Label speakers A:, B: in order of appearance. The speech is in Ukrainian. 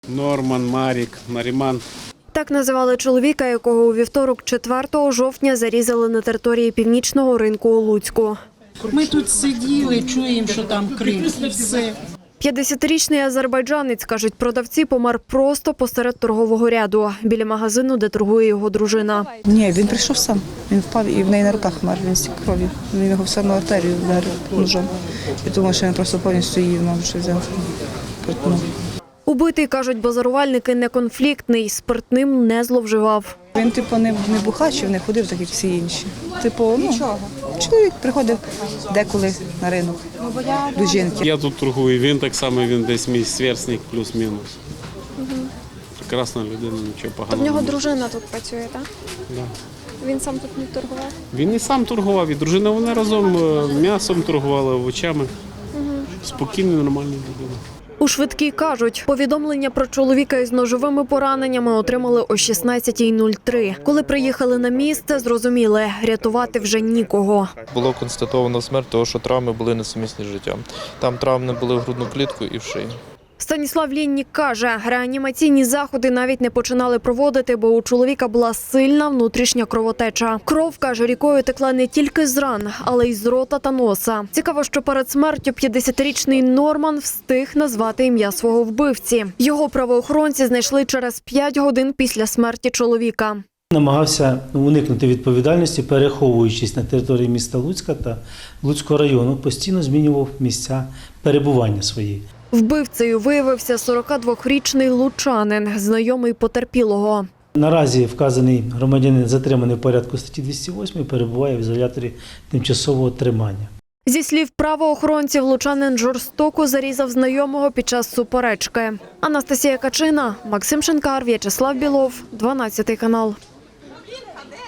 A: Норман, Марік, Наріман.
B: Так називали чоловіка, якого у вівторок 4 жовтня зарізали на території Північного ринку у Луцьку.
C: Ми тут сиділи, чуємо, що там крик, і все.
B: 50-річний азербайджанець, кажуть продавці, помер просто посеред торгового ряду, біля магазину, де торгує його дружина.
D: Ні, він прийшов сам. Він впав і в неї на руках мер, він стік крові. Він його в саму артерію вдарив ножом. Я думаю, що він просто повністю її, мабуть, взяв. Проткнув.
B: Убитий, кажуть базарувальники, неконфліктний, спиртним не зловживав.
D: Він, не бухачив, не ходив, так як всі інші. Чоловік приходив деколи на ринок до жінки.
A: Я тут торгую, він так само, він десь мій сверстник плюс-мінус. Прекрасна людина, нічого поганого.
E: То в нього
A: немає.
E: дружина тут працює, так?
A: Да.
E: Він сам тут не торгував?
A: Він і сам торгував, і дружина, вони разом м'ясом торгували, овочами. Спокійна, нормальна людина.
B: У швидкій кажуть, повідомлення про чоловіка із ножовими пораненнями отримали о 16:03. Коли приїхали на місце, зрозуміли, рятувати вже нікого.
F: Було констатовано смерть, тому що травми були несумісні з життям. Там травми були в грудну клітку і в шиї.
B: Станіслав Ліннік каже, реанімаційні заходи навіть не починали проводити, бо у чоловіка була сильна внутрішня кровотеча. Кров, каже, рікою текла не тільки з ран, але й з рота та носа. Цікаво, що перед смертю 50-річний Норман встиг назвати ім'я свого вбивці. Його правоохоронці знайшли через 5 годин після смерті чоловіка.
G: Намагався уникнути відповідальності, переховуючись на території міста Луцька та Луцького району, постійно змінював місця перебування свої.
B: Вбивцею виявився 42-річний лучанин, знайомий потерпілого.
G: Наразі вказаний громадянин затриманий в порядку статті 208 і перебуває в ізоляторі тимчасового тримання.
B: Зі слів правоохоронців, лучанин жорстоко зарізав знайомого під час суперечки. Анастасія Качина, Максим Шинкар, В'ячеслав Білов, 12 канал.